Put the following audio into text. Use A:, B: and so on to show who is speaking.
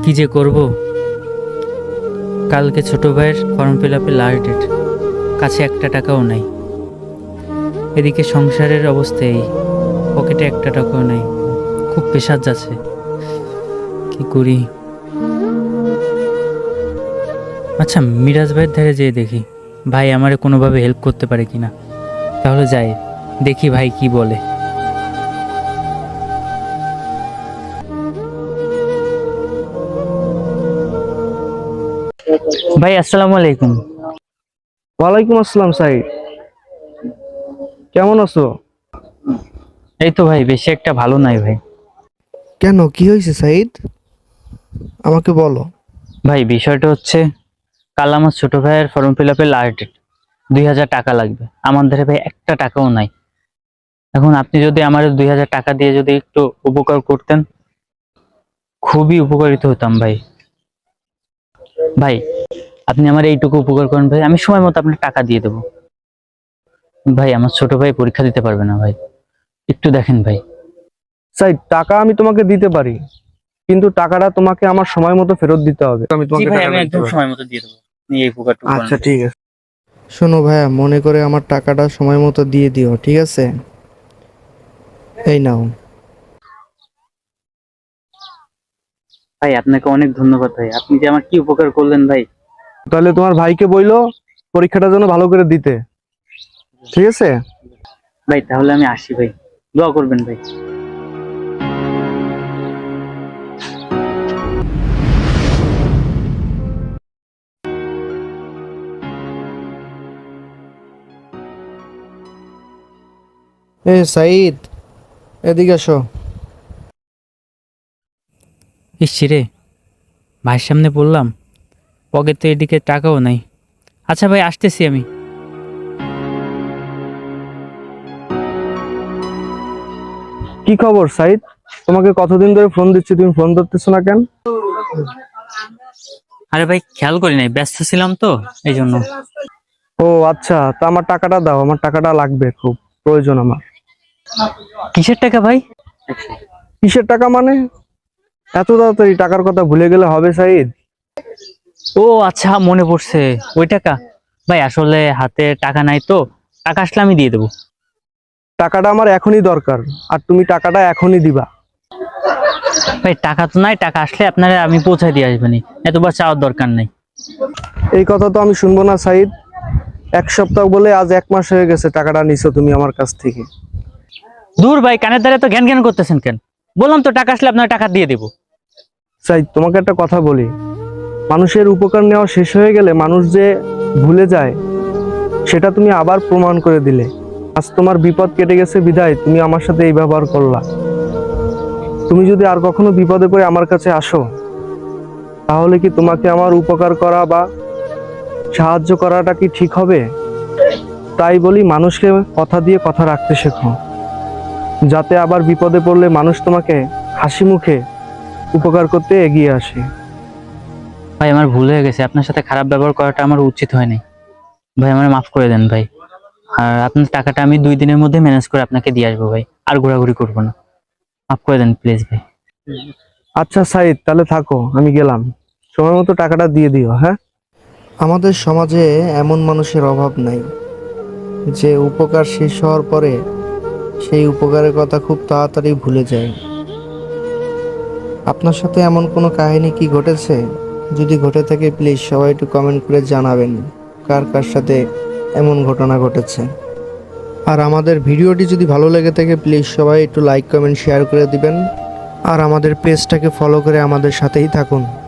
A: কি যে করব, কালকে ছোট ভাইয়ের ফর্ম ফিল আপে লাস্ট ডেট, কাছে একটা টাকাও নাই। এদিকে সংসারের অবস্থা এই, পকেটে একটা টাকাও নাই। খুব প্রেশার যাচ্ছে, কি করি। আচ্ছা, মিরাজ ভাইয়ের ধারে যেয়ে দেখি ভাই আমারে কোনোভাবে হেল্প করতে পারে কিনা। তাহলে যাই, দেখি ভাই কি বলে। ভাই আসসালামু আলাইকুম।
B: ওয়ালাইকুম আসসালাম সাইদ, কেমন আছো?
A: এই তো ভাই, বেশি একটা ভালো নাই ভাই।
B: কেন, কি হয়েছে সাইদ? আমাকে বলো।
A: ভাই বিষয়টা হচ্ছে, কাল আমার ছোট ভাইয়ের ফর্ম ফিল আপে লাস্ট ডেট, 2,000 টাকা লাগবে। আমার ধারে ভাই একটা টাকাও নাই। এখন আপনি যদি আমার 2,000 টাকা দিয়ে যদি একটু উপকার করতেন, খুবই উপকারিত হতাম ভাই। ভাই আপনি আমার এইটুকু উপকার করেন ভাই, আমি সময় মতো আপনার টাকা দিয়ে দেবো। ভাই আমার ছোট ভাই পরীক্ষা দিতে পারবে না ভাই, একটু দেখেন ভাই।
B: সাইদ, টাকা আমি তোমাকে দিতে পারি, কিন্তু টাকাটা তোমাকে আমার সময় মতো ফেরত দিতে হবে। আমি
A: জি
B: তোমাকে
A: ভাই, আমি
B: টাকাটা দিতে
A: একদম
B: পারি।
A: সময় মতো দিয়ে দেবো, আপনি এই উপকারটুকু করেন
B: আচ্ছা
A: ভাই।
B: ঠিক আছে। শোনো ভাইয়া, মনে করে আমার টাকাটা সময় মতো দিয়ে দিও, ঠিক আছে? এই নাও।
A: ভাই আপনাকে অনেক ধন্যবাদ ভাই, আপনি যে আমার কি উপকার করলেন ভাই।
B: তাহলে তোমার ভাইকে বইলো পরীক্ষাটা যেন ভালো করে দিতে, ঠিক আছে?
A: ভাই তাহলে আমি আসি ভাই, দোয়া করবেন ভাই।
B: সাইদ, এদিকে আসো।
A: ইস রে, ভাইয়ের সামনে বললাম, পকেটে এদিকে টাকাও নাই। আচ্ছা ভাই, আসতেছি আমি।
B: কি খবর সাইদ? তোমাকে কতদিন ধরে ফোন দিচ্ছি, তুমি ফোন ধরতেছো না কেন?
A: আরে ভাই খেয়াল করি নাই, ব্যস্ত ছিলাম তো, এই জন্য।
B: ও আচ্ছা, তা আমার টাকাটা দাও, আমার টাকাটা লাগবে, খুব প্রয়োজন আমার।
A: কিসের টাকা ভাই?
B: কিসের টাকা মানে? এত তাড়াতাড়ি টাকার কথা ভুলে গেলে হবে সাইদ?
A: ও আচ্ছা, মনে পড়ছে, ওই টাকা। ভাই আসলে হাতে টাকা নাই তো, টাকা আসলে আমি দিয়ে দেবো।
B: টাকাটা আমার এখনই দরকার, আর তুমি টাকাটা এখনই দিবা।
A: ভাই টাকা তো নাই, টাকা আসলে আপনারা আমি পৌঁছায় দিয়ে আসবেনি, এতবার চাওয়ার দরকার নাই।
B: এই কথা তো আমি শুনবো না সাইদ। এক সপ্তাহ বলে আজ 1 মাস হয়ে গেছে টাকাটা নিছো তুমি আমার কাছ থেকে।
A: দূর ভাই, কানের দ্বারা তো জ্ঞান জ্ঞান করতেছেন কেন? বললাম তো টাকা আসলে আপনার টাকা দিয়ে দেবো।
B: সাইদ, তোমাকে একটা কথা বলি, মানুষের উপকার নেওয়া শেষ হয়ে গেলে মানুষ যে ভুলে যায়, সেটা তুমি আবার প্রমাণ করে দিলে। আজ তোমার বিপদ কেটে গেছে বিধায় তুমি আমার সাথে এই ব্যবহার করলা। তুমি যদি আর কখনো বিপদে পড়ে আমার কাছে আসো, তাহলে কি তোমাকে আমার উপকার করা বা সাহায্য করাটা কি ঠিক হবে? তাই বলি, মানুষকে কথা দিয়ে কথা রাখতে শেখো, যাতে আবার বিপদে পড়লে মানুষ তোমাকে হাসি মুখে উপকার করতে এগিয়ে আসে।
A: ভাই আমার ভুল হয়ে গেছে, আপনার সাথে খারাপ ব্যবহার করাটা আমার উচিত হয়নি। ভাই আমার মাফ করে দেন ভাই। আর আপনার টাকাটা আমি 2 দিনের মধ্যে ম্যানেজ করে আপনাকে দিয়ে আসবো ভাই, আর ঘোরাঘুরি করবো না। মাফ করে দেন প্লিজ ভাই।
B: আচ্ছা সাইদ, তাহলে থাকো, আমি গেলাম। সময় মতো টাকাটা দিয়ে দিও, হ্যাঁ? আমাদের সমাজে এমন মানুষের অভাব নাই যে উপকার শেষ হওয়ার পরে সেই উপকারের কথা খুব তাড়াতাড়ি ভুলে যায়। আপনার সাথে এমন কোনো কাহিনী কি ঘটেছে? যদি ঘটে থাকে প্লিজ সবাই একটু কমেন্ট করে জানাবেন, কার কার সাথে এমন ঘটনা ঘটেছে। আর আমাদের ভিডিওটি যদি ভালো লেগে থাকে প্লিজ সবাই একটু লাইক কমেন্ট শেয়ার করে দিবেন, আর আমাদের পেজটাকে ফলো করে আমাদের সাথেই থাকুন।